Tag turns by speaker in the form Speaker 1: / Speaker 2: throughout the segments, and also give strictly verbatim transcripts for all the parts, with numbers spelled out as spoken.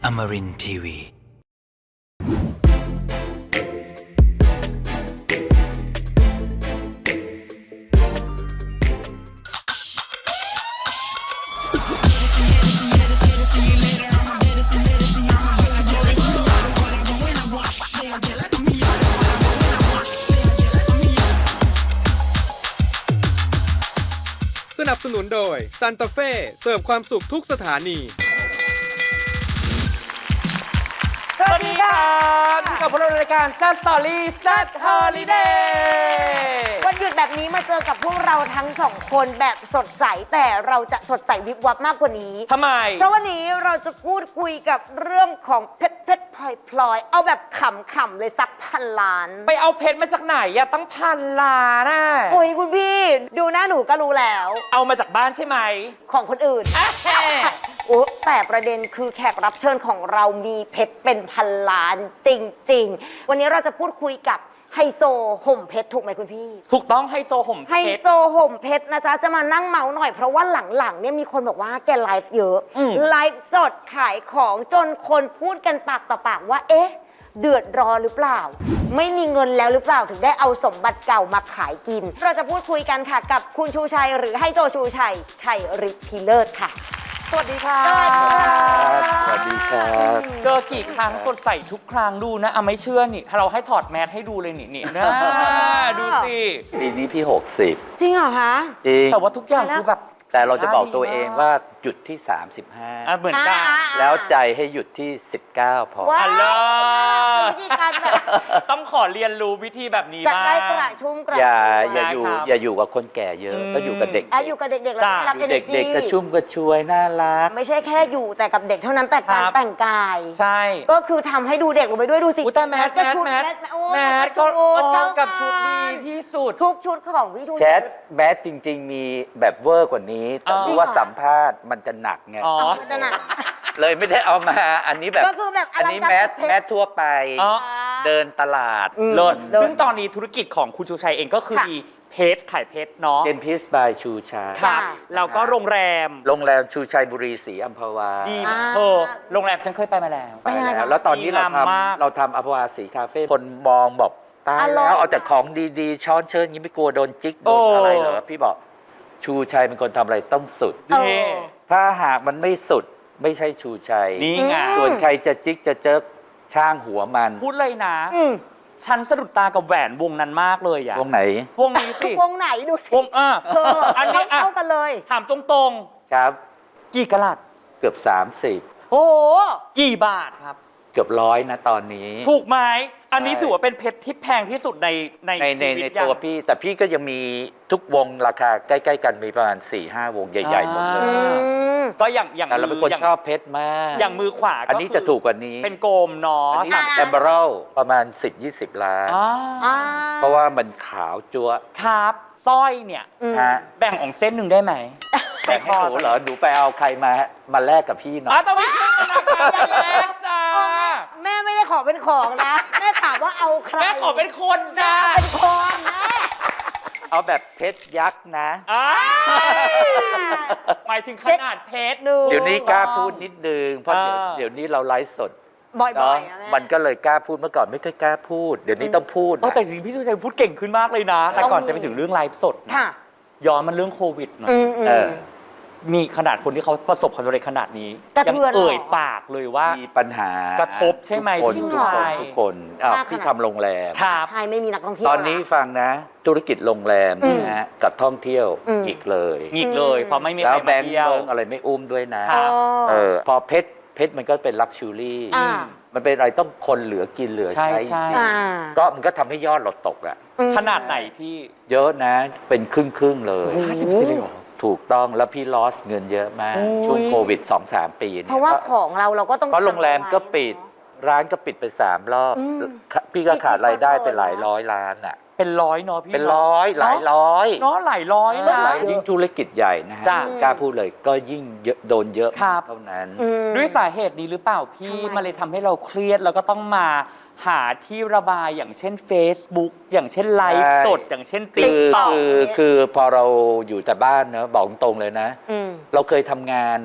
Speaker 1: Amarin ที วี
Speaker 2: สนับสนุนโดยซันตาเฟ่เสิร์ฟความสุขทุกสถานี
Speaker 3: สวัสดีครับพบกับพวกเราในรายการแซ่บสตอรี่แซ่บฮอลิเดย์วันหยุดแบบนี้มาเจอกับพวกเราทั้งสองคนแบบสดใสแต่เราจะสดใสวิบวับมากกว่านี้ทำไมเพราะวันนี้เราจะพูดคุยกับเรื่องของเพชรเพชรพลอยพลอยเอาแบบขำๆเลยสักพันล้านไปเอาเพชรมาจากไหนอะตั้งพันล้านน่ะโอ้ยคุณพี่ดูหน้าหนูก็รู้แล้วเอามาจากบ้านใช่ไหมของคนอื่นโอ้แต่ประเด็นคือแขกรับเชิญของเรามีเพชรเป็นพันล้านจริงๆวันนี้เราจะพูดคุยกับไฮโซห่มเพชรถูกไหมคุณพี่ถูกต้องไฮโซห่มเพชรไฮโซห่มเพชรนะจ๊ะจะมานั่งเมาหน่อยเพราะว่าหลังๆเนี่ยมีคนบอกว่าแกไลฟ์เยอะไลฟ์สดขายของจนคนพูดกันปากต่อปากว่าเอ๊ะเดือดร้อนหรือเปล่าไม่มีเงินแล้วหรือเปล่าถึงได้เอาสมบัติเก่ามาขายกินเราจะพูดคุยกันค่ะกับคุณชูชัยหรือไฮโซชูชัยชัยฤทธิ์พิเลิศค่ะสวัสดีค่ะสวัสดีครับเจอกี่ครั้งสดใสทุกครั้งดูนะเอาไม่เชื่อนี่ถ้าเราให้ถอดแมสให้ดูเลยนี่นี่นะดูสิ
Speaker 4: ปีนี้พี่หกสิบ
Speaker 3: จริงเหรอคะ
Speaker 4: จริง
Speaker 3: แต่ว่าทุกอย่างคือแบบ
Speaker 4: แต่เราจะบอกตัวเองว่าหยุดที่สามสิบห้า
Speaker 3: อ่ะเหมือนกัน
Speaker 4: แล้วใจให้หยุดที่สิบเก้าพอ
Speaker 3: อัลลอฮ์วิธีการแบบต้องขอเรียนรู้วิธีแบบนี้บ้างจะได้กระชุ่มกระชวย
Speaker 4: อย่าอย่าอยู่อย่าอยู่กับคนแก่เยอะก็อยู่กับเด็ก
Speaker 3: อยู่กับเด็กๆแล้วรับเอเนอร์จี
Speaker 4: เด็กๆกระชุ่มกระชวยน่ารัก
Speaker 3: ไม่ใช่แค่อยู่แต่กับเด็กเท่านั้นแต่การแต่งกายใช่ก็คือทำให้ดูเด็กลงไปด้วยดูสิแต่แมสก็ชุดแมสแมสก็กับชุดดีที่สุดทุกชุดของพี่ชู
Speaker 4: แชทแมสจริงๆมีแบบเวอร์กว่านี้แต่ที่ว่าสัมภาษณ์มันจะหนักไง
Speaker 3: อ๋อจะหนัก
Speaker 4: เลยไม่ได้เอามาอันนี้แบบ
Speaker 3: ก็คือแบบ
Speaker 4: อันนี้แมสแมสทั่วไปเดินตลาด
Speaker 3: เลิศซึ่งตอนนี้ธุรกิจของคุณชูชัยเองก็คือมีเพชรขายเพชรเนาะ
Speaker 4: เจนพิสบายชูชัย
Speaker 3: ครับแล้วก็โรงแรม
Speaker 4: โรงแรมชูชัยบุรีศรีอัมพวา
Speaker 3: ดีเออโรงแรมฉันเคยไปมาแล้ว
Speaker 4: ไปแล้วแล้วตอนนี้เราทำเราทำอัมพวาสีคาเฟ่คนมองบอกตายแล้วเอาแต่ของดีๆช้อนเชิญยิ้มไม่กลัวโดนจิกโดนอะไรเหรอพี่บอกชูชัยเป็นคนทำอะไรต้องสุดถ้าหากมันไม่สุดไม่ใช่ชูชัย
Speaker 3: นี่ไง
Speaker 4: ส่วนใครจะจิกจะเจิกช่างหัวมัน
Speaker 3: พูดเลยนะฉันสะดุดตากับแหวนวงนั้นมากเลยอะ
Speaker 4: วงไหน
Speaker 3: วงนี้สิ
Speaker 5: วงไหนดูสิ
Speaker 3: วงอ่ะ
Speaker 5: อันนี้เข้ากันเลย
Speaker 3: ถามตรง
Speaker 4: ๆครับ
Speaker 3: กี่กะลัด
Speaker 4: เกือบสามสิบ
Speaker 3: โอ้กี่บาทครับ
Speaker 4: เกือบร้อยนะตอนนี้
Speaker 3: ถูกไหมอันนี้ถือว่าเป็นเพชรที่แพงที่สุดในใน
Speaker 4: ในในตัวพี่แต่พี่ก็ยังมีทุกวงราคาใกล้ๆกันมีประมาณ สี่ห้า วงใหญ่ๆหมดเลย
Speaker 3: ก็อย่างอย่าง
Speaker 4: เราเป็นคนชอบเพชรมาก
Speaker 3: อย่างมือขวา
Speaker 4: อันนี้จะถูกกว่านี้
Speaker 3: เป็นโกมเนาะ
Speaker 4: อันนี้แอมเบอรัลประมาณ สิบ ยี่สิบ ล้านเพราะว่ามันขาวจั๊ว
Speaker 3: ครับสร้อยเนี่ยแบ่งของเส้นหนึ่งได้ไหม
Speaker 4: แบ่งให้หนูเหรอหนูไปเอาใครมามาแลกกับพี่หน่อย
Speaker 3: อ๋อต้องมีชื่อนะคะอย่าแลกจ้า
Speaker 5: แม่ไม่ได้ขอเป็นของนะแม่ถามว่าเอาใคร
Speaker 3: แม่ขอเป็นคนนะ
Speaker 5: เป็นคนแม่
Speaker 4: เอาแบบเพชรยักษ์นะ
Speaker 3: หมายถึงขนาดเพชร
Speaker 4: เดี๋ยวนี้กล้าพูดนิดนึงเพราะเดี๋ยวนี้เราไลฟ์สด
Speaker 5: บ่อย
Speaker 4: ๆมันก็เลยกล้าพูดเมื่อก่อนไม่เคยกล้าพูดเดี๋ยวนี้ต้องพูด
Speaker 3: แต่สิ่งพี่ชูชัยพูดเก่งขึ้นมากเลยนะแต่ก่อนจะไปถึงเรื่องไลฟ์สดย้อนมันเรื่องโควิดหน่อยมีขนาดคนที่เขาประสบความสำเร็จขนาดนี้ยังเอ่ยปากเลยว่า
Speaker 4: มีปัญหาก
Speaker 3: ระทบใช่ไหมพี่ชูชัย
Speaker 4: ทุกคนที่ทำโรงแรม
Speaker 5: ใช่ไม่มีนักท่องเที่ยว
Speaker 4: ตอนนี้ฟังนะธุรกิจโรงแรมนะฮะกับท่องเที่ยวอีกเลย
Speaker 3: อีกเลยเพราะไม่มีใครมาเที่ยว
Speaker 4: อะไรไม่อุ้มด้วยนะเออพอเพชรเพชรมันก็เป็นลักชัวรี่มันเป็นอะไรต้องคนเหลือกินเหลือใช้จริงก็มันก็ทำให้ยอดเราตกอ่ะ
Speaker 3: ขนาดไหนพี่
Speaker 4: เยอะนะเป็นครึ่งครึ่งเลย
Speaker 3: ห้าสิบสี่เลยเหรอ
Speaker 4: ถูกต้องแล้วพี่ลอสเงินเยอะมากช่วงโควิด สองสาม ปี
Speaker 5: เพราะว่าของเราเราก็ต้อง
Speaker 4: เพราะโรงแรมก็ปิดร้านก็ปิดไปสามรอบพี่ก็ขาดรายได้ไปหลายร้อยล้านอ่ะ
Speaker 3: เป็นร้อยเนาะพี่
Speaker 4: เป็นร้อยหลายร้อย
Speaker 3: เนาะหลายร้อยนะ
Speaker 4: ยิ่งธุรกิจใหญ่นะฮะกล้าพูดเลยก็ยิ่งโดนเยอะเท่านั้น
Speaker 3: ด้วยสาเหตุนี้หรือเปล่าพี่มันเลยทำให้เราเครียดแล้วก็ต้องมาหาที่ระบายอย่างเช่น Facebook อย่างเช่นไลฟ์สดอย่างเช่นติ๊กต็อก
Speaker 4: คือคือพอเราอยู่แต่บ้านเนอะบอกตรงเลยนะเราเคยทำงานอ่ะ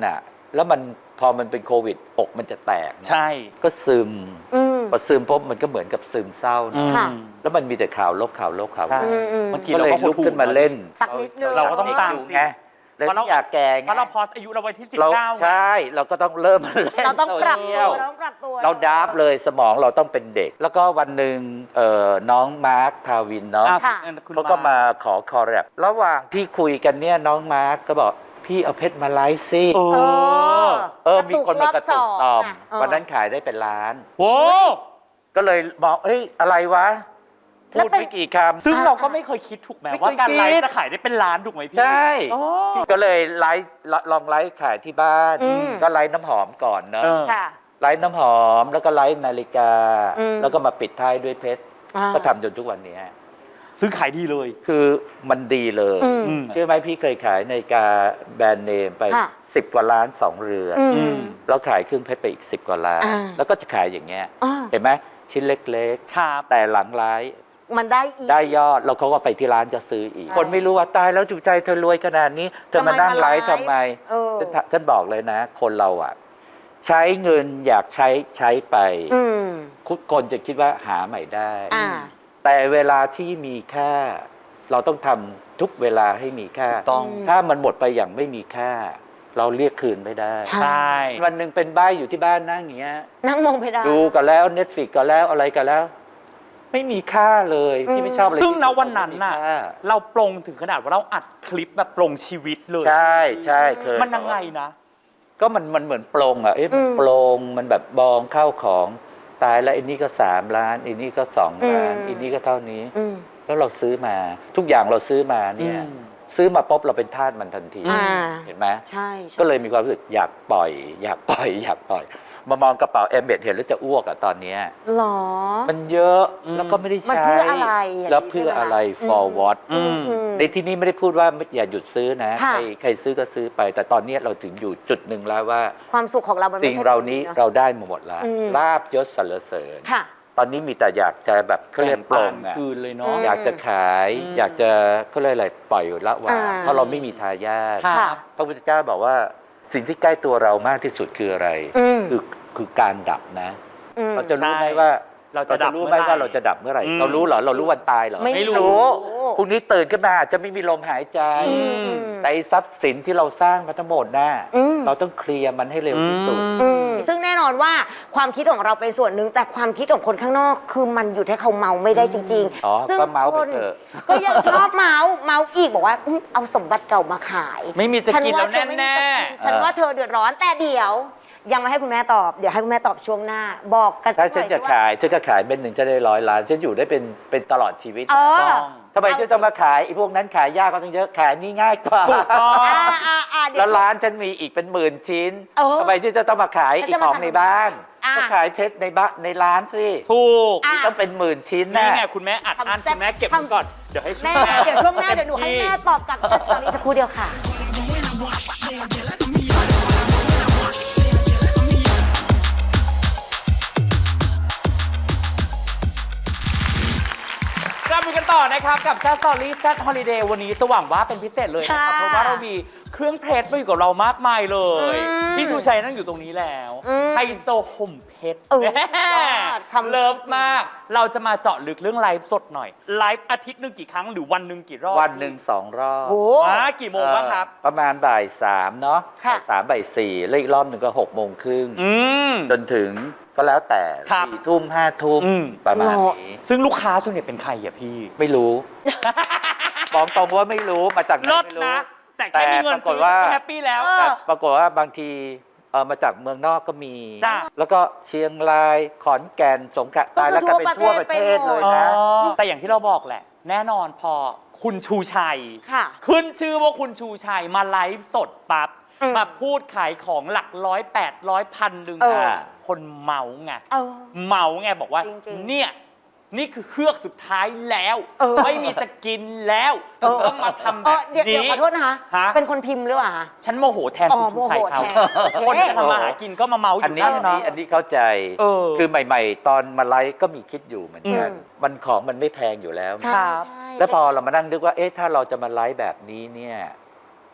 Speaker 4: แล้วมันพอมันเป็นโควิดอกมันจะแตกนะ
Speaker 1: ใช่
Speaker 4: ก็ซึม
Speaker 5: อืม
Speaker 4: พอซึมปุ๊บมันก็เหมือนกับซึมเศร้านะ
Speaker 5: ค่ะ
Speaker 4: แล้วมันมีแต่ข่าวลบข่าวลบข่าวล
Speaker 1: ใช่
Speaker 4: บ
Speaker 5: อืมอืม
Speaker 1: บางที
Speaker 4: ก็
Speaker 1: เรา
Speaker 4: เลย
Speaker 1: ก็
Speaker 4: ลุกขึ้นมาเล่น
Speaker 5: สักนิดนึง
Speaker 1: เราก็ต้องตาม
Speaker 4: อยู่ไงเลย
Speaker 1: เพราะเรา
Speaker 4: ไม่อยากแก่ไง
Speaker 1: เพราะเราพอสอายุเราไว้ที่สิบ
Speaker 4: เรา
Speaker 1: เก้า
Speaker 4: ใช่เราก็ต้องเริ่มมาเล่น
Speaker 5: เราต้องปรับ
Speaker 4: โซชี
Speaker 5: ตั
Speaker 4: ยว ล
Speaker 5: เราต้องปรับตัว
Speaker 4: เราดาฟเลยสมองเราต้องเป็นเด็ก แล้วก็วันหนึ่งเอ่อน้องมาร์คทาวินเนาะ
Speaker 1: อ่ะ
Speaker 5: ค่ะ
Speaker 1: คุณ
Speaker 4: เขาก็มาขอคอแรประหว่างที่คุยกันเนี่ยน้องมาร์คก็บอกพี่เอาเพชรมาไลฟ์ซิ
Speaker 1: เอ
Speaker 5: เอ
Speaker 1: อ
Speaker 5: อ
Speaker 4: เออมีคนมากระตุกตอม
Speaker 5: เออ
Speaker 4: วันนั้นขายได้เป็นล้าน
Speaker 1: โอ้
Speaker 4: ก็เลยบอกเอ้ยอะไรวะ
Speaker 5: แล้
Speaker 4: พู
Speaker 5: ว
Speaker 4: ด
Speaker 5: เป็น
Speaker 4: ไม่กี่คำ
Speaker 1: ซึ่งเราก็ไม่เคยคิดถูกไหม
Speaker 4: ไม่เคย
Speaker 1: ว่าการไล
Speaker 4: คิ
Speaker 1: ฟ์
Speaker 4: ด
Speaker 1: จะขายได้เป็นล้านถูกไหมพี่
Speaker 4: ใช่
Speaker 1: โอ้
Speaker 4: ก็เลยไลฟ์ลองไลฟ์ขายที่บ้าน
Speaker 5: อืม
Speaker 4: ก็ไลฟ์น้ำหอมก่อนเนาะ
Speaker 1: เออ
Speaker 5: ค่ะ
Speaker 4: ไลฟ์น้ำหอมแล้วก็ไลฟ์นาฬิกา
Speaker 5: อืม
Speaker 4: แล้วก็มาปิดท้ายด้วยเพชร
Speaker 5: อ่า
Speaker 4: ก็ทำจนทุกวันนี้
Speaker 1: ซึ่งขายดีเลย
Speaker 4: คือมันดีเลย
Speaker 5: อืม
Speaker 1: อืม
Speaker 4: เชื่อไหมพี่เคยขายนาฬิกาแบรนด์เนมไป
Speaker 5: ค่ะ
Speaker 4: สิบกว่าล้านสองเรือน
Speaker 5: อื
Speaker 1: อื
Speaker 5: ม
Speaker 1: ม
Speaker 4: แล้วขายเครื่องเพชรไปอีกสิบกว่าล้าน
Speaker 5: อ่า
Speaker 4: แล้วก็จะขายอย่างเงี้ย
Speaker 5: อ่า
Speaker 4: เห็นไหมชิ้นเล็ก
Speaker 1: ครับ
Speaker 4: ๆ แต่หลังร้าย
Speaker 5: มันได้อีก
Speaker 4: ได้ยอดแล้วเขาก็ไปที่ร้านจะซื้ออีก
Speaker 5: ใช่
Speaker 4: คนไม่รู้ว่าตายแล้วจุใจเธอรวยขนาดนี้เธอมานั่งไลฟ์
Speaker 5: ทำ
Speaker 4: ทำ
Speaker 5: ไม
Speaker 4: ไม
Speaker 5: เออ
Speaker 4: ฉันฉันบอกเลยนะ คนเราอ่ะ ใช้เงินอยากใช้ใช้ไป
Speaker 5: อืม
Speaker 4: ทุกคนจะคิดว่าหาใหม่ได้
Speaker 5: อ่า
Speaker 4: แต่เวลาที่มีค่า เราต้องทำทุกเวลาให้มีค่า
Speaker 1: ต้อง
Speaker 5: อืม
Speaker 4: ถ้ามันหมดไปอย่างไม่มีค่า เราเรียกคืนไม่ได้
Speaker 5: ใช่
Speaker 1: ใช่
Speaker 4: วันหนึ่งเป็นใบ้อยู่ที่บ้านนั่งอย่างเงี้ย
Speaker 5: นั่งมองเพดาน
Speaker 4: ดูกันแล้วเน็ตฟิกก็แล้วอะไรกันแล้ว ไม่มีค่าเลย
Speaker 5: อืม
Speaker 4: พี่ไม่ชอบเลย
Speaker 1: ซึ่ง
Speaker 4: ที่
Speaker 1: ณวันนั้นน่ะ
Speaker 4: ไม่มีค่า
Speaker 1: เราปลงถึงขนาดว่าเราอัดคลิปแบบปลงชีวิตเลย
Speaker 4: ใช่ใช่เคย
Speaker 1: มันยังไงนะ
Speaker 4: ก็มันมันเหมือนปลงอ่ะเอ๊ะมัน
Speaker 5: อืม
Speaker 4: ปลงมันแบบบองเข้าของตายแล้วไอ้นี่ก็สามล้านไอ้นี่ก็สองล้าน
Speaker 5: อืม
Speaker 4: ไอ้นี่ก็เท่านี้
Speaker 5: อืม
Speaker 4: แล้วเราซื้อมา ทุกอย่างเราซื้อมาเนี่ย
Speaker 1: อืม
Speaker 4: ซื้อมาปุ๊บเราเป็นทาสมันทันที
Speaker 5: อ่า
Speaker 4: เห็นไหม
Speaker 5: ใช่ใช่
Speaker 4: ก็เลยมีความรู้สึกอยากปล่อย อยากปล่อย อยากปล่อย มามองกระเป๋าเอมเบดเห็นแล้วจะอ้วกอะตอนเนี้ย
Speaker 5: หรอ
Speaker 4: มันเยอะ
Speaker 1: อืม
Speaker 4: แล้วก็ไม่ได้
Speaker 5: มัน
Speaker 4: ใช้
Speaker 5: เพื่ออะไรอย่างนี้
Speaker 4: แล้วเพื่ออะไร
Speaker 5: ใช่ไหมคะ
Speaker 4: for what
Speaker 1: อืม
Speaker 5: อืม
Speaker 4: ในที่นี้ไม่ได้พูดว่าอย่าหยุดซื้อนะ
Speaker 5: ค่ะ
Speaker 4: ใครใครซื้อก็ซื้อไป แต่ตอนนี้เราถึงอยู่จุดหนึ่งแล้วว่า
Speaker 5: ความสุขของเรามันไม่
Speaker 4: สิ่ง
Speaker 5: ใช่
Speaker 4: เรานี้
Speaker 5: แบบ
Speaker 4: เราได้มาหมดแล้ว
Speaker 5: อืม
Speaker 4: ลาบยศสรรเสริญ
Speaker 5: ค่ะ
Speaker 4: ตอนนี้มีแต่อยากจะแบบเขาเรียกปลงอะ
Speaker 1: คืนเลยเนาะ
Speaker 5: อืม
Speaker 4: อยากจะขาย
Speaker 1: อืม
Speaker 4: อยากจะเขาเรียกอะไรปล่อยละวาง
Speaker 5: อ่า
Speaker 4: เพราะเราไม่มีทายาท
Speaker 1: ค่ะ
Speaker 5: ค่ะ
Speaker 4: พระพุทธเจ้าบอกว่าสิ่งที่ใกล้ตัวเรามากที่สุดคืออะไร
Speaker 5: อืม
Speaker 4: คือคือการดับนะ
Speaker 5: อืม
Speaker 4: เราจะรู้ไหม
Speaker 1: ใช่
Speaker 4: ว่า
Speaker 1: เราจะดับ
Speaker 4: รู้ไหม
Speaker 1: เมื่อไหร่
Speaker 4: ว่าเราจะดับเมื่อไหร่
Speaker 1: อืม
Speaker 4: เรารู้เหรอเรารู้วันตายเหรอ
Speaker 5: ไม่
Speaker 1: ไม่
Speaker 5: รู้
Speaker 1: รู้
Speaker 4: พรุ่งนี้ตื่นขึ้นมาอาจจะไม่มีลมหายใจ
Speaker 5: อืม
Speaker 4: แต่ไอ้ทรัพย์สินที่เราสร้างมาทั้งหมดน่ะ
Speaker 5: อืม
Speaker 4: เราต้องเคลียร์มันให้เร็วที่สุด
Speaker 5: อืมซึ่งแน่นอนว่าความคิดของเราเป็นส่วนหนึ่งแต่ความคิดของคนข้างนอก คือมันอยู่ที่เขาเมาไม่ได้จริง
Speaker 4: อ๋อ
Speaker 5: ซึ่ง
Speaker 4: ก็เมาส์ไป
Speaker 5: คน
Speaker 4: เถอะ
Speaker 5: ก็ยังชอบเมาส์เมาส์อีกบอกว่าอืมเอาสมบัติเก่ามาขาย
Speaker 1: ไม่มีจะกินแล้ว
Speaker 5: ฉัว่าเธอไม่มี
Speaker 1: แน่
Speaker 5: จะกินฉันว่าเธอเดือดร้อนแต่เดี๋ยว ยังไม่ให้คุณแม่ตอบ เดี๋ยวให้คุณแม่ตอบช่วงหน้า บอกกัน
Speaker 4: ถ้าฉัน
Speaker 5: หอย
Speaker 4: จะ
Speaker 5: สิว่
Speaker 4: ขายฉันก็ขายเป็นหนึ่งจะได้ร้อยล้านฉันอยู่ได้เป็นเป็นตลอดชีวิต
Speaker 5: เออ
Speaker 1: ต้อง
Speaker 4: ทำไมฉันต้องมาขายไอ้พวกนั้นขายยากก็ต้องเยอะขายนี่ง่ายกว่า
Speaker 1: ถูกต้อง
Speaker 5: อ่าอ่าอ่าเดี๋ย
Speaker 4: แล้ว วร้านฉันมีอีกเป็นหมื่นชิ้น
Speaker 5: เออ
Speaker 4: ทำไมฉันจะต้องมาขาย
Speaker 5: ฉัน
Speaker 4: อี
Speaker 5: จะ
Speaker 4: กของ
Speaker 5: มาทำ
Speaker 4: ในบ้าน
Speaker 5: อ่ะ
Speaker 4: ก็ขายเพชรในบ้านในร้านสิ
Speaker 1: ถูก
Speaker 5: อ่ะ
Speaker 4: ต้องเป็นหมื่นชิ้น
Speaker 1: นี่
Speaker 4: นะ
Speaker 1: ไงคุณแม่อัดอั้น
Speaker 5: ทำแซ่บ
Speaker 1: คุณแม่เก็บ
Speaker 5: ทำ
Speaker 1: ไว้ก่อน เดี๋ยวให้ช่ว
Speaker 5: แม่
Speaker 1: งหน้า
Speaker 5: เดี๋ยวช่วงหน้าเดี๋ยวหนูให้แม่ตอบกลับตอนนี้สักครู่เดียวค่ะ
Speaker 1: กลับมากันต่อนะครับ กับแซ t สตอรี่แซ t ฮอลิเดย์วันนี้จะหวังว่าเป็นพิเศษเลยนะครับ
Speaker 5: ค่ะ
Speaker 1: เพราะว่าเรามีเครื่องเพชรมาอยู่กับเรามากมายเลย
Speaker 5: อืม
Speaker 1: พี่ชูชัยนั่งอยู่ตรงนี้แล้ว
Speaker 5: อืม
Speaker 1: ไฮโซห่มเพชร
Speaker 5: เออ
Speaker 1: แม่
Speaker 5: ยอดคำ
Speaker 1: เลิฟมาก เราจะมาเจาะลึกเรื่องไลฟ์สดหน่อย ไลฟ์อาทิตย์หนึ่งกี่ครั้งหรือวันหนึ่งกี่รอบ
Speaker 4: วันหนึ่งสองรอบ
Speaker 5: โอ้
Speaker 1: ว้ากี่โมงบ้างครับ
Speaker 4: เอ่อประมาณบ่ายสามเนาะ
Speaker 5: ค่ะ
Speaker 4: บ่ายสามบ่ายสี่แล้วอีกรอบหนึ่งก็หกโมงครึ่ง
Speaker 1: อืม
Speaker 4: จนถึงก็แล้วแต่
Speaker 1: ครับ
Speaker 4: สี่ทุ่มห้าทุ่ม
Speaker 1: อืม
Speaker 4: ประมาณนี้
Speaker 1: ซึ่งลูกค้าส่วนใหญ่เป็นใครอ่ะพี่
Speaker 4: ไม่รู้ บอกตรงว่าไม่รู้มาจากไหน
Speaker 1: เลิศ
Speaker 4: ไม่รู้
Speaker 1: นะ แต่แค่มีเงิน
Speaker 4: แต่ปรากฏ
Speaker 1: ซื้อ
Speaker 4: ว่า
Speaker 1: ก็แฮปปี้แล้ว
Speaker 5: เออ
Speaker 4: แต่ปรากฏว่าบางทีเออมาจากเมืองนอกก็มี
Speaker 1: จ้ะ
Speaker 4: แล้วก็เชียงรายขอนแก่นสงขลาตายแล้วก็เป็นทั่วประเทศเลยนะ
Speaker 1: แต่อย่างที่เราบอกแหละ แน่นอนพอคุณชูชัย
Speaker 5: ค่ะ
Speaker 1: ขึ้นชื่อว่าคุณชูชัยมาไลฟ์สดปั๊บ
Speaker 5: อืม
Speaker 1: มาพูดขายของหลักร้อยแปดร้อยพันหนึ่ง
Speaker 5: เออ
Speaker 1: คนเมาไง
Speaker 5: เออ
Speaker 1: เมาไงบอกว่า
Speaker 5: จริงๆ
Speaker 1: เนี่ย นี่คือเครือกสุดท้ายแล้ว
Speaker 5: เออ
Speaker 1: ไม่มีจะกินแล้ว
Speaker 5: เออ
Speaker 1: ต้องมาทำ
Speaker 5: เอ
Speaker 1: แบ
Speaker 5: อบ เดี๋ยวเดี๋ยว
Speaker 1: นี้
Speaker 5: ขอโทษนะคะ
Speaker 1: ฮะ
Speaker 5: เป็นคนพิมพ์หรือเปล่าคะ
Speaker 1: ฉันโมโหแทน
Speaker 5: อ๋อ
Speaker 1: คุณชูชัยเขา
Speaker 5: โมโหแทน
Speaker 1: คนจะทำมาหากินก็มาเมาอ
Speaker 4: อัน
Speaker 1: ยู่
Speaker 4: นี้
Speaker 1: ได้
Speaker 4: อัน
Speaker 1: เนาะ
Speaker 4: นี้อันนี้เข้าใจ
Speaker 1: เออ
Speaker 4: คือใหม่ ๆ ตอนมาไลฟ์ก็มีคิดอยู่เหมือนกัน
Speaker 5: อืม
Speaker 4: มันของมันไม่แพงอยู่แล้ว
Speaker 5: ใช่
Speaker 1: ครับ
Speaker 5: ใช่
Speaker 4: แล้วพอเรามานั่งนึกว่า เอ๊ะ ถ้าเราจะมาไลฟ์แบบนี้เนี่ย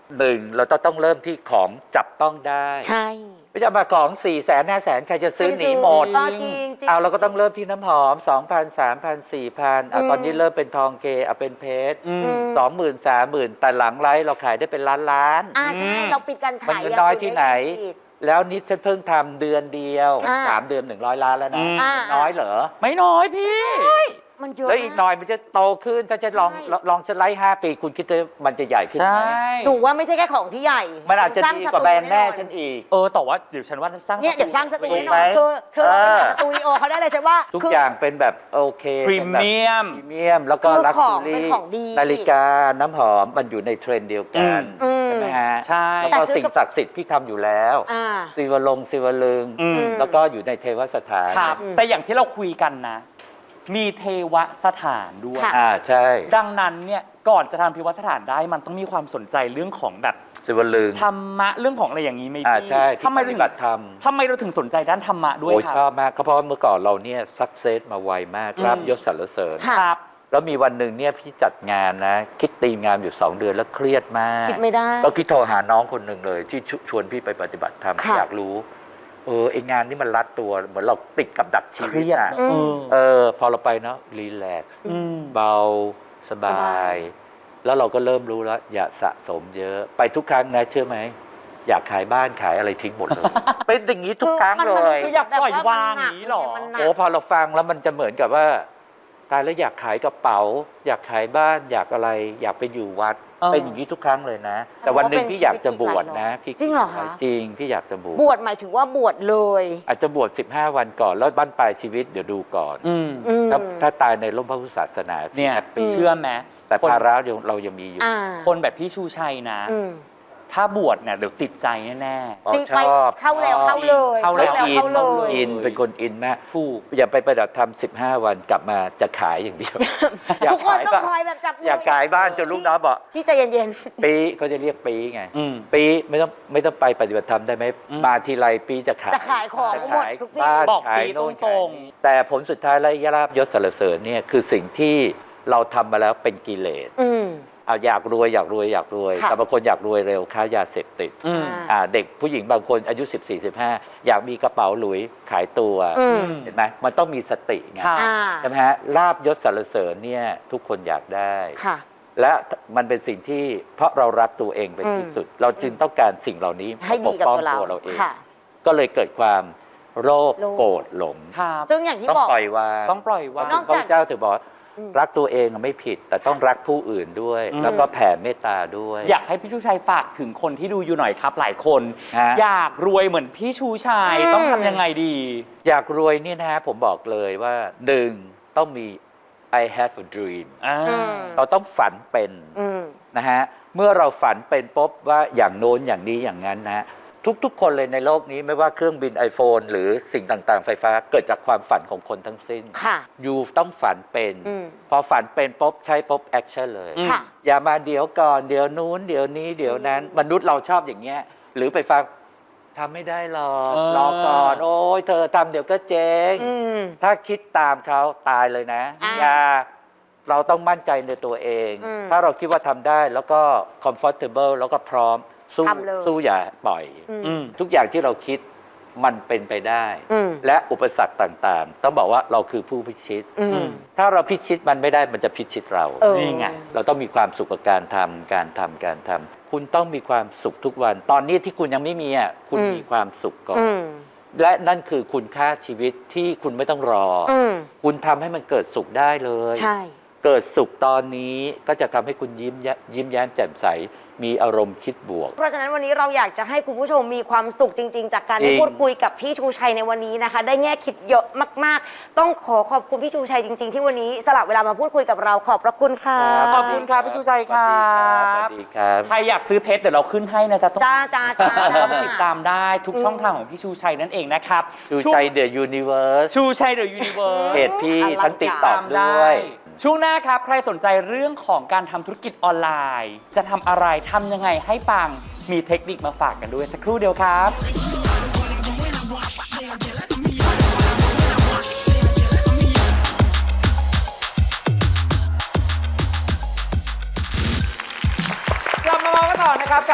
Speaker 4: หนึ่งเราต้องต้องเริ่มที่ของจับต้องได้
Speaker 5: ใช่
Speaker 4: ไม่จะมาของ4ี่แสนห้าแสนใครจะซื้อหนีหมด
Speaker 5: เออจริงจริง
Speaker 4: เอาเราก็ต้องเริ่มที่น้ำหอม สองพัน สามพัน สี่พันอ่ะ
Speaker 5: อืม
Speaker 4: ตอนนี้เริ่มเป็นทองเกเอาเป็นเพชร
Speaker 1: อืม
Speaker 5: อืม
Speaker 4: สองหมื่นสามหมื่นแต่หลังไลฟ์เราขายได้เป็นล้านล้าน
Speaker 5: อ่าใช่
Speaker 1: อืม
Speaker 5: เราปิดการขาย
Speaker 4: มันน้อยที่ไหน
Speaker 5: ยังปิด
Speaker 4: แล้วนิดฉันเพิ่งทำเดือนเดียว
Speaker 5: อ่า
Speaker 4: สามเดือนหนึ่งร้อยล้านแล้วนะ
Speaker 1: อืม
Speaker 5: อ่า
Speaker 4: น้อยเหรอ
Speaker 1: ไม่น้อยพี่
Speaker 5: มันเยอะ
Speaker 4: แล้วอีกหน่อยมันจะโตขึ้นถ้าจะลอง
Speaker 5: ใช่
Speaker 4: ลองลองจะไล่ห้าปีคุณคิดว่ามันจะใหญ่ขึ้น
Speaker 1: ใช่
Speaker 4: ไหม
Speaker 5: หนูว่าไม่ใช่แค่ของที่ใหญ่
Speaker 4: มันอาจจะ
Speaker 5: สร้ง
Speaker 4: ดี
Speaker 5: ส
Speaker 4: กว่า
Speaker 5: ตู
Speaker 4: แบรนด์แม่
Speaker 5: อ
Speaker 4: ฉันอีก
Speaker 1: เออแต่ว่าเดี๋ยวฉันว่าสร้าง
Speaker 5: เนี่ยเดี๋ยวสร้างสตู
Speaker 4: ถู
Speaker 5: แน่
Speaker 4: ก
Speaker 5: น
Speaker 4: ไห
Speaker 5: อ
Speaker 4: ม
Speaker 5: นเธอเธอลองไปหา
Speaker 4: เออ
Speaker 5: สตูดิโอเขาได้เลยใช่ว่า
Speaker 4: ทุก
Speaker 5: คือ
Speaker 4: อย่างเป็นแบบโอเค
Speaker 1: พรีเมียม
Speaker 4: พรีเมียม แล้วก็
Speaker 5: คือ
Speaker 4: ลัก
Speaker 5: ข
Speaker 4: ซ์
Speaker 5: อง
Speaker 4: ซู
Speaker 5: เป็น
Speaker 4: รี่
Speaker 5: ของดี
Speaker 4: นาฬิกาน้ำหอมมันอยู่ในเทรนด์เดียวกัน
Speaker 5: อืม
Speaker 4: ใช่ไหมฮะ
Speaker 1: ใช่
Speaker 4: แล้วก็
Speaker 5: แต่ซื้อ
Speaker 4: สิ่งศักดิ์สิทธิ์พี่ทำอยู่แล้ว
Speaker 5: อ่า
Speaker 4: ศิวลงศิวลึง
Speaker 1: อืม
Speaker 4: แล้วก็อยู่ในเทวสถาน
Speaker 1: ครับ
Speaker 5: อืม
Speaker 1: แต่อย่างที่เราคุยกันนะ มีเทวสถานด้วย
Speaker 5: ค่ะ
Speaker 4: อ่าใช่
Speaker 1: ดังนั้นเนี่ยก่อนจะทำเทวสถานได้มันต้องมีความสนใจเรื่องของแบบ
Speaker 4: ศิวลึง
Speaker 1: ธรรมะเรื่องของอะไรอย่างนี้ไหม
Speaker 4: อ่า
Speaker 1: พี่
Speaker 4: ใช่
Speaker 1: ทำไม
Speaker 4: ป
Speaker 1: เรา
Speaker 4: ฏิ
Speaker 1: ถึง
Speaker 4: บัติธรรม
Speaker 1: ทำไมเราถึงสนใจด้านธรรมะด้วย
Speaker 4: โอ้ย
Speaker 1: ครั
Speaker 4: ชอบมากก็เพราะว่าเมื่อก่อนเราเนี่ยสักเซสมาไวมาก
Speaker 1: อืม
Speaker 4: รับยศสรรเสริญ
Speaker 5: ค่ะ
Speaker 1: ครับ
Speaker 4: แล้วมีวันหนึ่งเนี่ยพี่จัดงานนะ คิดตีมงานอยู่สองเดือนแล้วเครียดมาก
Speaker 5: คิดไม่ได้
Speaker 4: ก็คิดโทรหาน้องคนหนึ่งเลย ที่ชชวนพี่ไปปฏิบัติธรรม
Speaker 5: ค่ะ
Speaker 4: อยากรู้ เออไองานนี่มันรัดตัวเหมือนเราติดกับดักชี
Speaker 1: เค
Speaker 4: วิ
Speaker 1: รี
Speaker 4: ต
Speaker 1: ยด
Speaker 4: อ่ะ
Speaker 1: เนอะ
Speaker 4: เออ พอเราไปเนาะรีแลกซ์
Speaker 1: อืม
Speaker 4: เบาสบา
Speaker 5: สบาย
Speaker 4: ย แล้วเราก็เริ่มรู้แล้ว อย่าสะสมเยอะ ไปทุกครั้งนะเชื่อไหม อยากขายบ้านขายอะไรทิ้งหมดเลย เป็นอย่างนี้ทุกครั้ง
Speaker 5: มัน
Speaker 4: เล
Speaker 5: มัน
Speaker 4: ย
Speaker 1: คืออยากปล่อยวางอย่างนี้หรอ
Speaker 5: มันหนัก
Speaker 4: โอ้พอเราฟังแล้วมันจะเหมือนกับว่าตายแล้วอยากขายกระเป๋า อยากขายบ้านอยากอะไร อยากไปอยู่วัด
Speaker 1: เออ
Speaker 4: เป็นอย่างนี้ทุกครั้งเลยนะ แต่วันหนึ่งพี่อยากจะบวชนะพี่
Speaker 5: จริงเหรอคะ
Speaker 4: จริงพี่อยากจะบวช
Speaker 5: บวชหมายถึงว่าบวชเลย
Speaker 4: อาจจะบวชสิบห้าวันก่อนแล้วบ้านปลายชีวิตเดี๋ยวดูก่อน
Speaker 1: อืม
Speaker 5: อืม
Speaker 4: ถ้าถ้าตายในร่มพระพุทธศาสนา
Speaker 1: เนี่ย
Speaker 4: แฮปปี้
Speaker 1: เชื่อไหม
Speaker 4: แต่
Speaker 1: คน
Speaker 4: ภาระยังเรายังมีอยู่
Speaker 5: อ่า
Speaker 1: คนแบบพี่ชูชัยนะ
Speaker 5: อืม
Speaker 1: ถ้าบวชเนี่ยเดี๋ยวติดใจแน่
Speaker 4: อ๋อ
Speaker 5: จริง
Speaker 4: ช
Speaker 5: ไป
Speaker 4: อบ
Speaker 5: เข้าแล้ว
Speaker 4: ชอบ
Speaker 5: เข้าเลย
Speaker 1: เข้าแล้ว
Speaker 5: เข้า
Speaker 4: อิน
Speaker 5: เลย
Speaker 4: อินเป็นคนอินมาก
Speaker 1: ๆถูก
Speaker 4: อย่าไปปฏิบัติธรรมสิบห้าวันกลับมาจะขายอย่างเดียว อยา
Speaker 5: ทุ
Speaker 4: ก
Speaker 5: กคน
Speaker 4: ขาย
Speaker 5: ต้อง
Speaker 4: บ้าน
Speaker 5: คอยแบบจับมื
Speaker 4: อยากขายบ้านจนลูกน้องบอก
Speaker 5: พี่ใจเย็น
Speaker 4: ปีเขาจะเรียกปีไง
Speaker 1: อืม
Speaker 4: ปีไม่ต้องไม่ต้องไปปฏิบัติธรรมได้ไหม
Speaker 1: อืม
Speaker 4: มาทีไรปีจะขาย
Speaker 5: จะขายของ
Speaker 4: จะ
Speaker 5: หมด
Speaker 4: ขาย
Speaker 5: ทุกที่
Speaker 4: บ้าน
Speaker 1: บอก
Speaker 4: ขาย
Speaker 1: ปี
Speaker 4: โน่น
Speaker 1: ตรง
Speaker 4: ขายนี่แต่ผลสุดท้ายและยราบยศสรรเสริญเนี่ยคือสิ่งที่เราทำมาแล้วเป็นกิเลส
Speaker 5: ๆอืม
Speaker 4: เอาอยากรวยอยากรวยอยากรวย
Speaker 5: ค่ะ
Speaker 4: แต่บางคนอยากรวยเร็วค้ายาเสพติด
Speaker 1: อืม
Speaker 4: อ่าเด็กผู้หญิงบางคนอายุ สิบสี่ สิบห้า อยากมีกระเป๋าหลุยขายตัว
Speaker 5: อืม
Speaker 4: เห็นไหมมันต้องมีสติไง
Speaker 1: ค่ะ
Speaker 5: อ่า
Speaker 4: ใช่ไหมฮะลาบยศสรรเสริญเนี่ยทุกคนอยากได้
Speaker 5: ค่ะ
Speaker 4: และมันเป็นสิ่งที่เพราะเรารักตัวเองเป็นที่สุด เราจึงต้องการสิ่งเหล่านี้
Speaker 5: ให้ดีกับ
Speaker 4: ปป้อง
Speaker 5: ตัวเรา
Speaker 4: ตัวเราเอง
Speaker 5: ค่ะ
Speaker 4: ก็เลยเกิดความโลภ
Speaker 5: โลภ
Speaker 4: โกรธหลง
Speaker 1: ครับ
Speaker 5: ซึ่งอย่างที่
Speaker 4: ต้อง
Speaker 5: บอก
Speaker 4: ปล่อยวาง
Speaker 1: ต้องปล่อยวาง
Speaker 5: นอก
Speaker 4: พระเจ้าถึงบอกว่า
Speaker 5: อืม
Speaker 4: รักตัวเองไม่ผิด แต่ต้องรักผู้อื่นด้วย
Speaker 1: อืม
Speaker 4: แล้วก็แผ่เมตตาด้วย
Speaker 1: อยากให้พี่ชูชัยฝากถึงคนที่ดูอยู่หน่อยครับ หลายคน
Speaker 4: ฮะ
Speaker 1: อยากรวยเหมือนพี่ชูชัย
Speaker 5: อืม
Speaker 1: ต้องทำยังไงดี
Speaker 4: อยากรวยเนี่ยนะฮะผมบอกเลยว่าหนึ่งต้องมี I have a dream
Speaker 1: อ่า
Speaker 5: อืม
Speaker 4: เราต้องฝันเป็น
Speaker 5: อืม
Speaker 4: นะฮะเมื่อเราฝันเป็นปุ๊บว่าอย่างโน้นอย่างนี้อย่างนั้นนะฮะทุกๆ คนเลยในโลกนี้ไม่ว่าเครื่องบิน iPhone หรือสิ่งต่างๆ ไฟฟ้าเกิดจากความฝันของคนทั้งสิ้น
Speaker 5: ค่ะ
Speaker 4: อยู่ต้องฝันเป็น
Speaker 5: อืม
Speaker 4: พอฝันเป็นปุ๊บใช้ปุ๊บแอคชั่นเลย
Speaker 1: อืม
Speaker 5: ค่ะ
Speaker 4: อย่ามาเดี๋ยวก่อนเดี๋ยวนู้นเดี๋ยวนี้เดี๋ยวนั้น มนุษย์เราชอบอย่างเงี้ยหรือไปฟังทำไม่ได้หรอก
Speaker 1: เออ
Speaker 4: รอก่อนโอ้ยเธอทำเดี๋ยวก็เจ๊ง
Speaker 5: อืม
Speaker 4: ถ้าคิดตามเขาตายเลยนะ
Speaker 5: อ่า
Speaker 4: อย่าเราต้องมั่นใจในตัวเอง
Speaker 5: อืม
Speaker 4: ถ้าเราคิดว่าทำได้แล้วก็ comfortable แล้วก็พร้อมสู้
Speaker 5: ทำเลย
Speaker 4: สู้อย่าปล่อย
Speaker 5: อืม
Speaker 1: อืม
Speaker 4: ทุกอย่างที่เราคิดมันเป็นไปได้
Speaker 5: อืม
Speaker 4: และอุปสรรคต่างๆ ต้องบอกว่าเราคือผู้พิชิต
Speaker 5: อืม
Speaker 4: ถ้าเราพิชิตมันไม่ได้มันจะพิชิตเรา
Speaker 5: เออ
Speaker 1: นี่ไง
Speaker 4: เราต้องมีความสุขกับการทำการทำการทำคุณต้องมีความสุขทุกวัน ตอนนี้ที่คุณยังไม่มีอ่ะคุณ
Speaker 5: อืม
Speaker 4: มีความสุขก่อน
Speaker 5: อืม
Speaker 4: และนั่นคือคุณค่าชีวิตที่คุณไม่ต้องรออ
Speaker 5: อืม
Speaker 4: คุณทำให้มันเกิดสุขได้เลย
Speaker 5: ใช่
Speaker 4: เกิดสุขตอนนี้ก็จะทำให้คุณยิ้มแย้ยิ้มแย้มแจ่มใส มีอารมณ์คิดบวก
Speaker 5: เพราะฉะนั้นวันนี้เราอยากจะให้คุณผู้ชมมีความสุขจริง ๆ จากการ
Speaker 4: จริ
Speaker 5: ได้
Speaker 4: ง
Speaker 5: พูดคุยกับพี่ชูชัยในวันนี้นะคะ ได้แง่คิดเยอะมากๆ ต้องขอขอบคุณพี่ชูชัยจริง ๆ ที่วันนี้สละเวลามาพูดคุยกับเราขอบพระคุณค่ะ
Speaker 1: ขอบคุณครับพี่ชูชัยครับ
Speaker 4: สวัสดีครับ
Speaker 1: ใครอยากซื้อเพชรเดี๋ยวเราขึ้นให้นะจ๊ะต้อง
Speaker 5: จ้าจ้าจ้า
Speaker 1: แล้วก็ติดตามได้ทุกช่องทางของพี่ชูชัยนั่นเองนะครับ
Speaker 4: ชูใจเดอะยูนิเวิร์ส
Speaker 1: ชูชัยเดอะยูนิเวิร์ส
Speaker 4: เพจพี่ทั้งติดต่อ
Speaker 1: ตาม
Speaker 4: ด้
Speaker 1: ได้
Speaker 4: วย
Speaker 1: ช่วงหน้าครับ ใครสนใจเรื่องของการทำธุรกิจออนไลน์ จะทำอะไรทำยังไงให้ปังมีเทคนิคมาฝากกันด้วยสักครู่เดียวครับ กลับมาเมาส์กันต่อนะครับกับ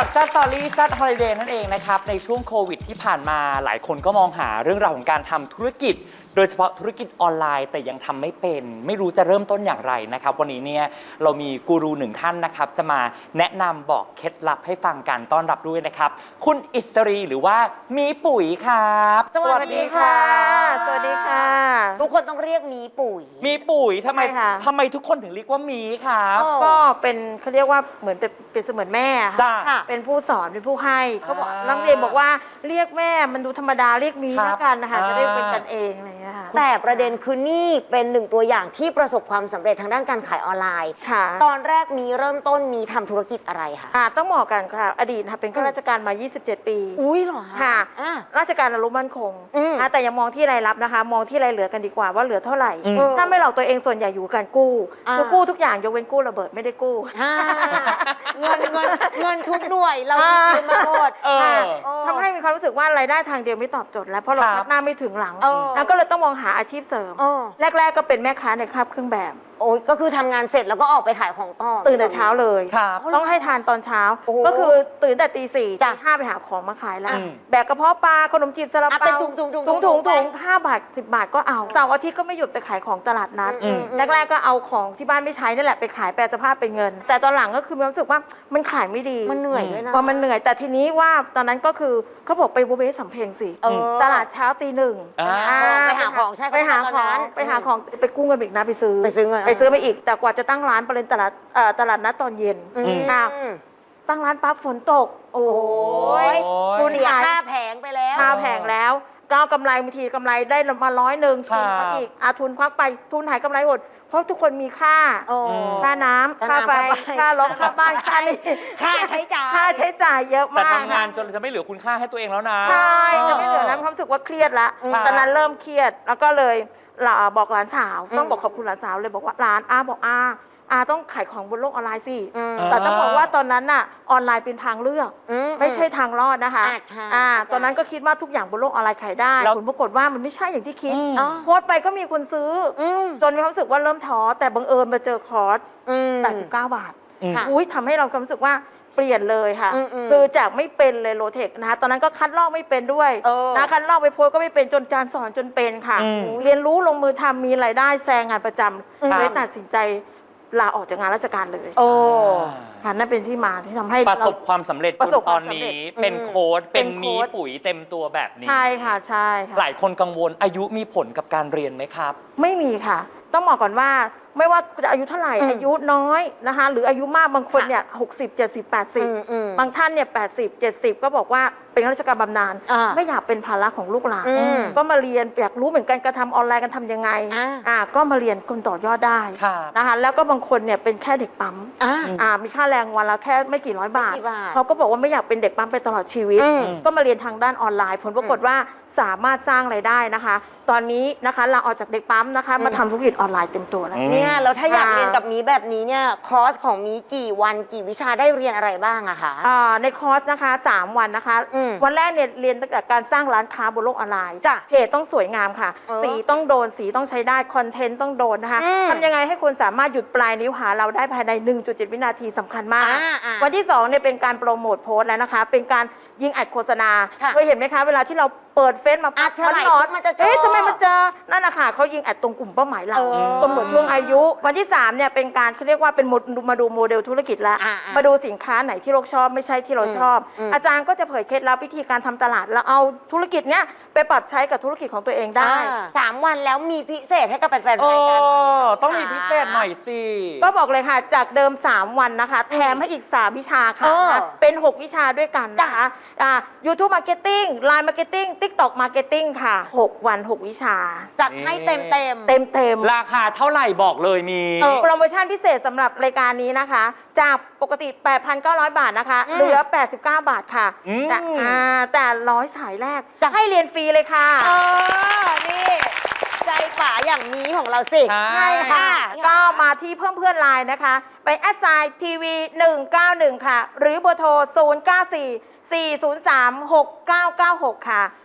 Speaker 1: กับซัดสตอรี่ซัดฮอลิเดย์นั่นเองนะครับในช่วงโควิดที่ผ่านมาหลายคนก็มองหาเรื่องราวของการทำธุรกิจโดยเฉพาะธุรกิจออนไลน์แต่ยังทำไม่เป็นไม่รู้จะเริ่มต้นอย่างไรนะครับวันนี้เนี่ยเรามีกูรูหนึ่งท่านนะครับจะมาแนะนำบอกเคล็ดลับให้ฟังกันต้อนรับด้วยนะครับคุณอิสรีหรือว่ามีปุ๋ยครับ
Speaker 5: สวัสดีค่ะ
Speaker 3: สวัสดีค่ะ
Speaker 5: ทุกคนต้องเรียกมีปุ๋ย
Speaker 1: มีปุ๋ยทำไม
Speaker 3: ใช่ค่ะ
Speaker 1: ทำไมทุกคนถึงเรียกว่ามีครับ
Speaker 5: อ๋อ
Speaker 3: ก็เป็นเขาเรียกว่าเหมือนเป็นเป็นเสมือนแม่ค่ะ
Speaker 1: จ้า
Speaker 5: ค่ะ
Speaker 3: เป็นผู้สอนเป็นผู้ให้เขาบอก
Speaker 1: อ่า
Speaker 3: นักเรียนบอกว่าเรียกแม่มันดูธรรมดาเรียกมี
Speaker 1: ครับ
Speaker 3: แล้วกันนะคะ
Speaker 1: อ่า
Speaker 3: จะได้เป็นกันเองอะไรอย่างเงี้ยค่ะ
Speaker 5: แต่ประเด็นคือนี่เป็นหนึ่งตัวอย่างที่ประสบความสำเร็จทางด้านการขายออนไลน์
Speaker 3: ค่ะ
Speaker 5: ตอนแรกมีเริ่มต้นมีทำธุรกิจอะไรคะ
Speaker 3: อ่าต้องบอกกันค่ะอดีตค่ะเป็นข้าราชการมา ยี่สิบเจ็ด ปี
Speaker 5: อุ้ยเหรอ
Speaker 3: ค่ะ
Speaker 5: อ่ะ
Speaker 3: ราชการอารมณ์มั่นคง
Speaker 5: อืม
Speaker 3: อ่าแต่อย่ามองที่รายรับนะคะ มองที่รายเหลือกันดีกว่าว่าเหลือเท่าไหร่
Speaker 1: อืม
Speaker 3: ถ้าไม่หลอกตัวเองส่วนใหญ่อยู่กับการกู้
Speaker 5: อ่า
Speaker 3: คือกู้ทุกอย่างยกเว้นกู้ระเบิดไม่ได้กู้
Speaker 5: อ่าเงินเงินเงินทุกหน่วยเรา
Speaker 3: อ่า
Speaker 5: ยืมมาหมด
Speaker 1: เออ
Speaker 3: ค่ะ
Speaker 5: โอ้
Speaker 3: ทำให้มีความรู้สึกว่ารายได้ทางเดียวไม่ตอบโจทย์แล้วเพราะเรา
Speaker 1: ครับ
Speaker 3: พัฒนาไม่ถึงหลัง
Speaker 5: เออ
Speaker 3: แล้วก็เลยต้องมองหาอาชีพเสริม
Speaker 5: เออ
Speaker 3: แรก ๆ ก็เป็นแม่ค้าในคาบเครื่องแบบ
Speaker 5: โอ้ยก็คือทำงานเสร็จแล้วก็ออกไปขายของต่อ
Speaker 3: ตื่นแต่เช้าเลย
Speaker 1: ครับ
Speaker 3: ต้องให้ทานตอนเช้า
Speaker 5: โอ้โห
Speaker 3: ก็คือตื่นแต่ตีสี่
Speaker 5: จ้ะ
Speaker 3: ตีห้าไปหาของมาขายแล้ว
Speaker 1: อืม
Speaker 3: แบกกระเพาะปลาขนมจีบซาลา
Speaker 5: อ่ะ
Speaker 3: เปา
Speaker 5: เป็นถุงถุงถุง
Speaker 3: ถุงถุง
Speaker 5: ไป
Speaker 3: ถุงห้าบาทสิบบาทก็เอาเสาร์อาทิตย์ก็ไม่หยุดไปขายของตลาดนัด
Speaker 5: อืม
Speaker 3: แรกๆก็เอาของที่บ้านไม่ใช้นั่นแหละไปขายแปลสภาพเป็นเงิน แต่ตอนหลังก็คือมีความรู้สึกว่ามันขายไม่ดี
Speaker 5: มันเหนื่อยด้วยนะ
Speaker 3: พอมันเหนื่อยแต่ทีนี้ว่าตอนนั้นก็คือเขาบอกไปบูเบสสำเพ็งสิ
Speaker 5: เออ
Speaker 3: ตลาดเช้าตีหนึ่ง
Speaker 1: อ่า
Speaker 3: อ่
Speaker 5: ไปหาของใช่
Speaker 3: ไปหา
Speaker 5: ตอน
Speaker 3: ข
Speaker 5: นั้
Speaker 3: อง
Speaker 5: น
Speaker 3: ไปหาของไปกู้เงินอีกนะไปซื้อ
Speaker 5: ไปซื้อเงิน
Speaker 3: ไปซื้อมาอีก แต่กว่าจะตั้งร้านประเด็นตลาดเอ่อตลาดนัดตอนเย็น
Speaker 5: อืม
Speaker 3: อ่ะตั้งร้านปั๊บฝนตก โอ้ย
Speaker 1: โอ้ย
Speaker 3: คุณ
Speaker 5: เสีย
Speaker 3: ขาย
Speaker 5: ค่าแผงไปแล้ว
Speaker 3: ค่าแผงแล้วก็เอากำไรบางทีกำไรได้มาร้อยหนึ่ง
Speaker 1: ครั
Speaker 3: ทุ
Speaker 1: บ
Speaker 3: นมาอีกอาทุนควักไปทุนหายกำไรหมดเพราะทุกคนมีค่า
Speaker 5: โอ้
Speaker 3: ค่าน้ำ
Speaker 5: ค่า
Speaker 3: ค่า
Speaker 5: น้ำ
Speaker 3: ไฟ
Speaker 5: ค่าไฟ
Speaker 3: ค่ารถค่าบ้านค่านี่
Speaker 5: ค่าใช้จ่าย
Speaker 3: ค่าใช้จ่ายเยอะ
Speaker 1: แต่
Speaker 3: มาก
Speaker 1: ทำงานจนจะไม่เหลือคุณค่าให้ตัวเองแล้วนะ
Speaker 3: ใช่จะไม่เหลือนะความรู้สึกว่าเครียดละ
Speaker 5: อืม
Speaker 3: ตอนนั้นเริ่มเครียดแล้วก็เลยลาบอกหลานสาว
Speaker 5: อืม
Speaker 3: ต้องบอกขอบคุณหลานสาวเลยบอกว่าหลานอาบอกอาอาต้องขายของบนโลกออนไลน์สิ
Speaker 5: อืม
Speaker 3: แต่ต้องบอกว่าตอนนั้นน่ะออนไลน์เป็นทางเลือก
Speaker 5: อื
Speaker 3: ไม่ใช่ทางรอดนะคะ
Speaker 5: อ่าใช่
Speaker 3: อ่า
Speaker 5: เข้าใจ
Speaker 3: ตอนนั้นก็คิดว่าทุกอย่างบนโลกออนไลน์ขายได้
Speaker 1: แล้ว
Speaker 3: ผลปรากฏว่ามันไม่ใช่อย่างที่คิด
Speaker 1: อืม
Speaker 5: อ๋อ
Speaker 3: โพสต์ไปก็มีคนซื้ออ
Speaker 5: อืม
Speaker 3: จนมีความรู้สึกว่าเริ่มท้อแต่บังเอิญมาเจอคอร์ส
Speaker 5: อืม
Speaker 3: แปดสิบเก้าบาท
Speaker 1: อืม
Speaker 5: ค่ะ
Speaker 3: อุ้ยทำให้เราความรู้สึกว่าเปลี่ยนเลยค่ะ
Speaker 5: อืมอืม
Speaker 3: คือจากไม่เป็นเลยโลเทคนะคะตอนนั้นก็คัดลอกไม่เป็นด้วย
Speaker 5: เออ
Speaker 3: นะคัดลอกไปโพสต์ก็ไม่เป็นจนจานสอนจนเป็นค่ะ
Speaker 1: อืม
Speaker 3: เรียนรู้ลงมือทำมีรายได้แซงงานประจ
Speaker 5: อืม
Speaker 3: ำเลยตัดสินใจลาออกจากงานราชการเลย
Speaker 5: โอ้
Speaker 3: ค่ะนั่นเป็นที่มาที่ทำให้
Speaker 1: ประสบความสำเร็จ
Speaker 3: ประสบ
Speaker 1: จน
Speaker 3: ค
Speaker 1: ต
Speaker 3: วา
Speaker 1: อ
Speaker 3: ม
Speaker 1: น
Speaker 3: สำเร็จ
Speaker 1: นี้เป็น
Speaker 5: อืม
Speaker 1: โค้ดเป็น
Speaker 3: เป็นโค้
Speaker 1: มี
Speaker 3: ด
Speaker 1: ปุ๋ยเต็มตัวแบบนี้
Speaker 3: ใช่ค่ะใช่ค่ะ
Speaker 1: หลายคนกังวลอายุมีผลกับการเรียนไหมครับ
Speaker 3: ไม่มีค่ะ ต้องบอกก่อนว่าไม่ว่าจะอายุเท่าไหร่
Speaker 5: อืม
Speaker 3: อายุน้อยนะคะ หรืออายุมากบางคน
Speaker 5: ค่ะ
Speaker 3: เนี่ยหกสิบเจ็ดสิบแปดสิบ
Speaker 5: อืมอืม
Speaker 3: บางท่านเนี่ยแปดสิบเจ็ดสิบก็บอกว่าเป็นข้าราชการบำนาญ
Speaker 5: อ่า
Speaker 3: ไม่อยากเป็นภาระของลูกหลาน
Speaker 5: อืม
Speaker 3: ก็มาเรียนอยากรู้เหมือนกันการทำออนไลน์กันทำยังไง
Speaker 5: อ่า
Speaker 3: อ่าก็มาเรียนคนต่อยอดได้
Speaker 1: ครับ
Speaker 3: นะคะ แล้วก็บางคนเนี่ยเป็นแค่เด็กปั๊ม
Speaker 5: อ่า
Speaker 3: อ่ามีค่าแรงวันละแค่ไม่กี่ร้อยบาท
Speaker 5: ไม่กี่บาท
Speaker 3: เขาก็บอกว่าไม่อยากเป็นเด็กปั๊มไปตลอดชีวิต
Speaker 5: อืม
Speaker 3: ก็มาเรียนทางด้านออนไลน์ ผลปรากฏว่าสามารถสร้างรายได้นะคะ ตอนนี้นะคะเราออกจากเด็กปั๊มนะคะ
Speaker 5: อืม
Speaker 3: มาทำธุรกิจออนไลน์เต็มตัวแล้ว
Speaker 1: อืม
Speaker 5: เนี่ยแล้วถ้าอยาก
Speaker 3: ค่ะ
Speaker 5: เรียนกับมีแบบนี้เนี่ยคอร์สของมีกี่วันกี่วิชาได้เรียนอะไรบ้างอะคะ
Speaker 3: อ่าในคอร์สนะคะสามวันนะคะ
Speaker 5: อืม
Speaker 3: วันแรกเนี่ยเรียนตั้งแต่การสร้างร้านค้าบนโลกออนไลน์
Speaker 5: จ้ะ
Speaker 3: เพจต้องสวยงามค่ะ
Speaker 5: เออ
Speaker 3: สีต้องโดนสีต้องใช้ได้คอนเทนต์ต้องโดนนะคะ
Speaker 5: อืม
Speaker 3: ทำยังไงให้คนสามารถหยุดปลายนิ้วหาเราได้ภายใน หนึ่งจุดเจ็ด วินาทีสำคัญมาก
Speaker 5: อ่าอ่า
Speaker 3: วันที่สองเนี่ยเป็นการโปรโมทโพสต์แล้วนะคะ เป็นการยิงอัดโฆษณา
Speaker 5: ค่ะ
Speaker 3: เคยเห็นไหมคะ เวลาที่เราเปิดเฟซมา
Speaker 5: อัดเท่าไหร่
Speaker 3: ร้อน
Speaker 5: มันจะเจอ
Speaker 3: เอ๊ะทำไมมันเจอนั่นนะคะเขายิงอัดตรงกลุ่มเป้าหมายเรา
Speaker 5: เออ
Speaker 3: กำหนดช่วงอายุ วันที่สามเนี่ยเป็นการเขาเรียกว่าเป็นโมมาดูโมเดลธุรกิจแล้ว
Speaker 5: อ่าอ่า
Speaker 3: มาดูสินค้าไหนที่เราชอบไม่ใช่ที่เราชอบ
Speaker 5: อืม
Speaker 3: อาจารย์ก็จะเผยเคล็ดลับวิธีการทำตลาด แล้วเอาธุรกิจเนี้ยไปปรับใช้กับธุรกิจของตัวเองได้
Speaker 5: อ่าสามวันแล้วมีพิเศษให้กับแฟนๆ
Speaker 1: โอ้
Speaker 5: รายการไหม
Speaker 1: ต้องมีพิเศษหน่อยสิ
Speaker 3: ก็บอกเลยค่ะ จากเดิม สาม วันนะคะ แถมให้อีก สาม วิชาค่ะ
Speaker 5: เออ
Speaker 3: นะเป็น หก วิชาด้วยกันนะคะอ่า YouTube Marketing Line Marketing TikTok Marketing ค่ะ หก วัน หก วิชา
Speaker 5: จัดให้เต็มเต็ม
Speaker 3: เต็มเต็มๆ
Speaker 1: ราคาเท่าไหร่บอกเลยมี
Speaker 3: เออโปรโมชั่นพิเศษสำหรับรายการนี้นะคะ จากปกติ แปดพันเก้าร้อย บาทนะคะ
Speaker 5: อืม
Speaker 3: เหลือ แปดสิบเก้า บาทค่ะ
Speaker 1: อืม
Speaker 3: แต่อ่าแต่ร้อยสายแรกจะให้เรียนฟรีเลยค่ะ
Speaker 5: เออ นี่ ใจป๋าอย่างนี้ของเราสิ
Speaker 1: ใช่
Speaker 3: ใช่ค่ะ
Speaker 5: ค่ะ
Speaker 3: ก็มาที่เพิ่มเพื่อนไลน์นะคะ ไปแอดไซน์ทีวีหนึ่งเก้าหนึ่งค่ะ หรือเบอร์โทรศูนย์ เก้า สี่ สี่ ศูนย์ สาม หก เก้า เก้า หกค่ะ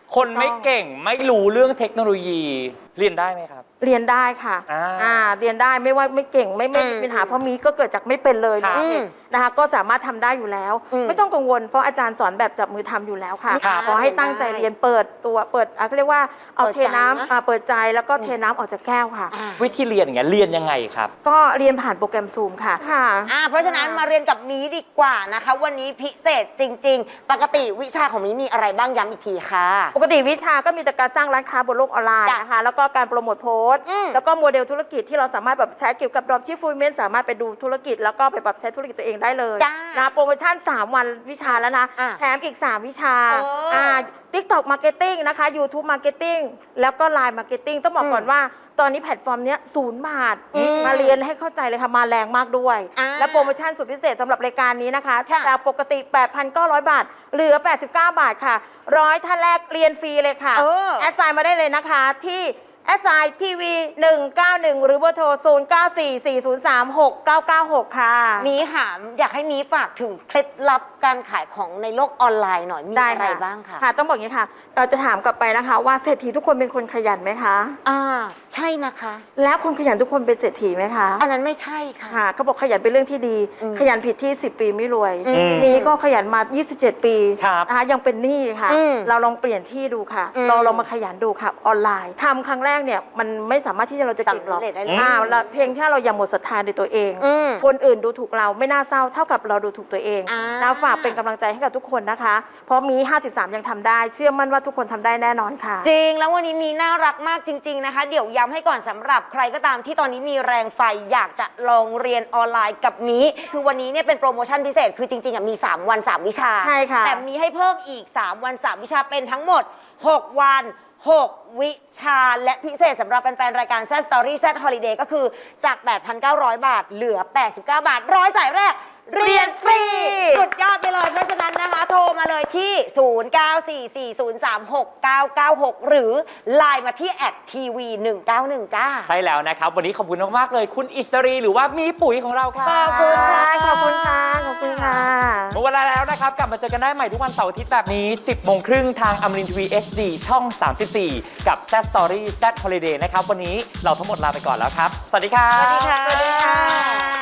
Speaker 1: คนไม่เก่งไม่รู้เรื่องเทคโนโลยีเรียนได้ไหมครับ
Speaker 3: เรียนได้ค่ะ
Speaker 1: อ่า
Speaker 3: อ่าเรียนได้ไม่ว่าไม่เก่งไม่ไม่
Speaker 5: อืม
Speaker 3: มีปัญหาเพราะมีก็เกิดจากไม่เป็นเลย
Speaker 1: ครับ
Speaker 3: เนี่ยนะคะก็สามารถทำได้อยู่แล้ว
Speaker 5: อืม
Speaker 3: ไม่ต้องกังวลเพราะอาจารย์สอนแบบจับมือทำอยู่แล้วค่ะ
Speaker 1: ครับ
Speaker 3: ขอให้ตั้งใจเรียนเปิดตัวเปิดอ่ะเขาเรียกว่าเอา
Speaker 5: เปิด
Speaker 3: เท
Speaker 5: ใจ
Speaker 3: น้ำ
Speaker 5: นะ
Speaker 3: อ่าเปิดใจแล้วก็เทน้ำออกจากแก้วค่ะ
Speaker 5: อ่า
Speaker 1: วิธีเรียนอย่างเงี้ยเรียนยังไงครับ
Speaker 3: ก็เรียนผ่านโปรแกรมซูมค่ะค่ะ
Speaker 5: อ่าเพราะฉะนั้นมาเรียนกับมีดีกว่านะคะ วันนี้พิเศษจริง ๆ ปกติวิชาของมีมีอะไรบ้างย้ำอีกทีค่ะ
Speaker 3: ปกติวิชาก็มีแต่การสร้างร้านค้าบนโลกออนไลน์
Speaker 5: จ้ะ
Speaker 3: นะคะแล้วก็การโปรโมทโพสต์
Speaker 5: อืม
Speaker 3: แล้วก็โมเดลธุรกิจที่เราสามารถแบบใช้เกี่ยวกับดรอปชิปฟูลเมนสามารถไปดูธุรกิจ แล้วก็ไปปรับใช้ธุรกิจตัวเองได้เลย
Speaker 5: จ้า
Speaker 3: นะโปรโมชั่น สาม วันวิชาแล้วนะ
Speaker 5: อ่ะ
Speaker 3: แถมอีก สาม วิชา
Speaker 5: เอออ่
Speaker 3: ่า TikTok Marketing นะคะ YouTube Marketing แล้วก็ ไลน์ Marketing ต้องบอกก่อนว่า ตอนนี้แพลตฟอร์มเนี้ยศูนย์บาท
Speaker 5: อืม
Speaker 3: มาเรียนให้เข้าใจเลยค่ะ มาแรงมากด้วย
Speaker 5: อ่า
Speaker 3: และโปรโมชั่นสุดพิเศษสำหรับรายการนี้นะคะ
Speaker 5: ค่ะ
Speaker 3: จากปกติ แปดพันเก้าร้อย บาท เหลือ แปดสิบเก้า บาทค่ะร้อยท่านแรกเรียนฟรีเลยค่ะ
Speaker 5: เออ
Speaker 3: แอดไซน์มาได้เลยนะคะที่แอดไซน์ทีวีหนึ่งเก้าหนึ่งหรือเบอร์โทรศูนย์ เก้า สี่ สี่ ศูนย์ สาม หก เก้า เก้า หกค่ะ
Speaker 5: มีหามอยากให้มีฝากถึงเคล็ดลับการขายของในโลกออนไลน์หน่อยมี
Speaker 3: ได้
Speaker 5: อะไร
Speaker 3: ค่ะ
Speaker 5: บ้างคะ
Speaker 3: ค่ะ ต้องบอกอย่างนี้ค่ะ เราจะถามกลับไปนะคะว่าเศรษฐีทุกคนเป็นคนขยันไหมคะ
Speaker 5: อ่าใช่นะคะ
Speaker 3: แล้วคนขยันทุกคนเป็นเศรษฐีไหมคะ
Speaker 5: อันนั้นไม่ใช่ค่ะ
Speaker 3: ค่ะเขาบอกขยันเป็นเรื่องที่ดี
Speaker 5: อืม
Speaker 3: ขยันผิดที่สิบปีไม่รวย
Speaker 5: อืม
Speaker 3: นี้ก็ขยันมายี่สิบเจ็ดปี
Speaker 1: ครับ
Speaker 3: นะคะยังเป็นหนี้ค่ะ
Speaker 5: อืม
Speaker 3: เราลองเปลี่ยนที่ดูค่ะ
Speaker 5: อืม
Speaker 3: เราลองมาขยันดูค่ะออนไลน์ทำครั้งแรกเนี่ยมันไม่สามารถที่จะเราจะเก่งหรอก
Speaker 5: สำเร็จได้เลย
Speaker 3: อ่าเราเพียงแค่เราอย่าหมดศรัทธาในตัวเอง
Speaker 5: อืม
Speaker 3: คนอื่นดูถูกเราไม่น่าเศร้าเท่ากับเราดูถูกตัวเอง
Speaker 5: อ่า
Speaker 3: เราฝากเป็นกำลังใจให้กับทุกคนนะคะ เพราะมีห้าสิบสามยังทำได้ เชื่อมั่นว่าทุกคนทำได้แน่นอนค่ะ
Speaker 5: จริงแล้ววันนี้มีน่ารักมากจริง ๆนะคะ เดี๋ยวย้ำให้ก่อนสำหรับใครก็ตามที่ตอนนี้มีแรงไฟอยากจะลองเรียนออนไลน์กับมีคือวันนี้เนี่ยเป็นโปรโมชั่นพิเศษคือจริงๆอ่ะมีสามวันสามวิชา
Speaker 3: ใช่ค่ะ
Speaker 5: แต่มีให้เพิ่มอีกสามวันสามวิชาเป็นทั้งหมดหกวันหกวิชาและพิเศษสำหรับแฟนๆรายการ Z Story Z Holiday ก็คือจาก แปดพันเก้าร้อย บาทเหลือ แปดสิบเก้า บาทร้อยสายแรกเรียนฟรีสุดยอดไปเลยเพราะฉะนั้นนะคะโทรมาเลยที่ ศูนย์ เก้า สี่ สี่ ศูนย์ สาม หก เก้า เก้า หก หรือไลน์มาที่แอดทีวีหนึ่งเก้าหนึ่งจ้า
Speaker 1: ใช่แล้วนะครับ วันนี้ขอบคุณมากๆเลย คุณอิสรีหรือว่ามีปุ๋ยของเราค่ะ
Speaker 3: ขอบคุณค่ะ ขอบคุณค่ะ ขอบคุณค่ะ
Speaker 1: หมดเวลาแล้วนะครับ กลับมาเจอกันได้ใหม่ทุกวันเสาร์อาทิตย์แบบนี้ สิบโมงครึ่งทางอมรินทร์ทีวี เอช ดี ช่อง สามสิบสี่ กับ Z Story Z Holiday นะครับ วันนี้เราทั้งหมดลาไปก่อนแล้วครับ สวัสดีครับ
Speaker 5: สวัสดีค่ะ